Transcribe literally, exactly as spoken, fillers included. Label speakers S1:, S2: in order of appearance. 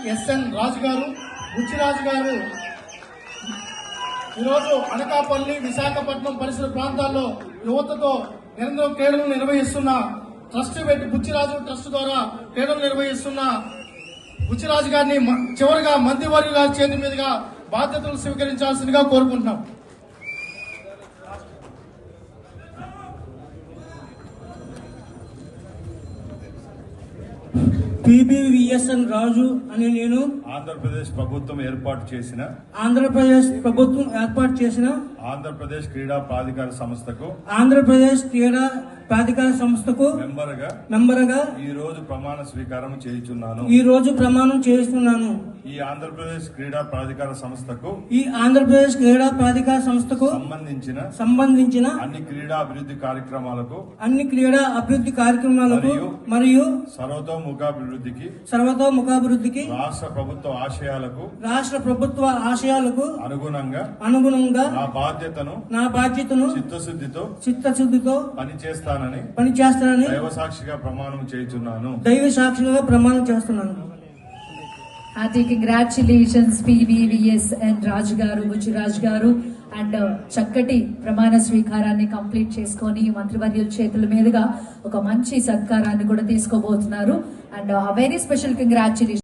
S1: SN రాజు గారు, బుచ్చిరాజు గారు ఈరోజు అనకాపల్లి, విశాఖపట్నం పరిసర ప్రాంతాల్లో యువతతో నిరంతరం క్రీడలు నిర్వహిస్తున్న ట్రస్ట్ పెట్టి బుచ్చిరాజు ట్రస్ట్ ద్వారా క్రీడలు నిర్వహిస్తున్న బుచ్చిరాజు గారిని చివరిగా మంత్రివర్గ గారి చేతి మీదుగా బాధ్యతలు స్వీకరించాల్సిందిగా కోరుకుంటున్నాం.
S2: పిబివిఎస్ఎన్ రాజు అని నేను
S3: ఆంధ్రప్రదేశ్ ప్రభుత్వం ఏర్పాటు చేసిన
S2: ఆంధ్రప్రదేశ్ ప్రభుత్వం ఏర్పాటు చేసిన
S3: ఆంధ్రప్రదేశ్ క్రీడా ప్రాధికార సంస్థకు
S2: ఆంధ్రప్రదేశ్ క్రీడా ప్రాధికార సంస్థకు
S3: మెంబర్గా
S2: మెంబర్గా
S3: ఈ రోజు ప్రమాణ స్వీకారం చేయుచున్నాను.
S2: ఈ రోజు ప్రమాణం చేస్తున్నాను.
S3: ఈ ఆంధ్రప్రదేశ్ క్రీడా ప్రాధికార సంస్థకు
S2: ఈ ఆంధ్రప్రదేశ్ క్రీడా ప్రాధికార సంస్థకు
S3: సంబంధించిన
S2: సంబంధించిన
S3: అన్ని క్రీడా అభివృద్ధి కార్యక్రమాలకు
S2: అన్ని క్రీడా అభివృద్ధి కార్యక్రమాలకు మరియు
S3: సర్వతోముఖాభివృద్ధికి
S2: సర్వతోముఖాభివృద్ధికి
S3: రాష్ట్ర ప్రభుత్వ ఆశయాలకు
S2: రాష్ట్ర ప్రభుత్వ ఆశయాలకు
S3: అనుగుణంగా
S2: అనుగుణంగా
S3: నా బాధ్యతను
S2: నా బాధ్యతను
S3: చిత్తశుద్ధితో
S2: చిత్తశుద్ధితో
S3: పనిచేస్తానని
S2: పనిచేస్తానని
S3: దైవ సాక్షిగా ప్రమాణం చేయుచున్నాను.
S2: దైవ సాక్షిగా ప్రమాణం చేస్తున్నాను.
S4: Hearty congratulations P B V S and Raj garu, Bujiraj garu and చక్కటి ప్రమాణ స్వీకారాన్ని కంప్లీట్ చేసుకొని మంత్రివర్యుల చేతుల మీదుగా ఒక మంచి సత్కారాన్ని కూడా తీసుకోబోతున్నారు. And very special congratulation.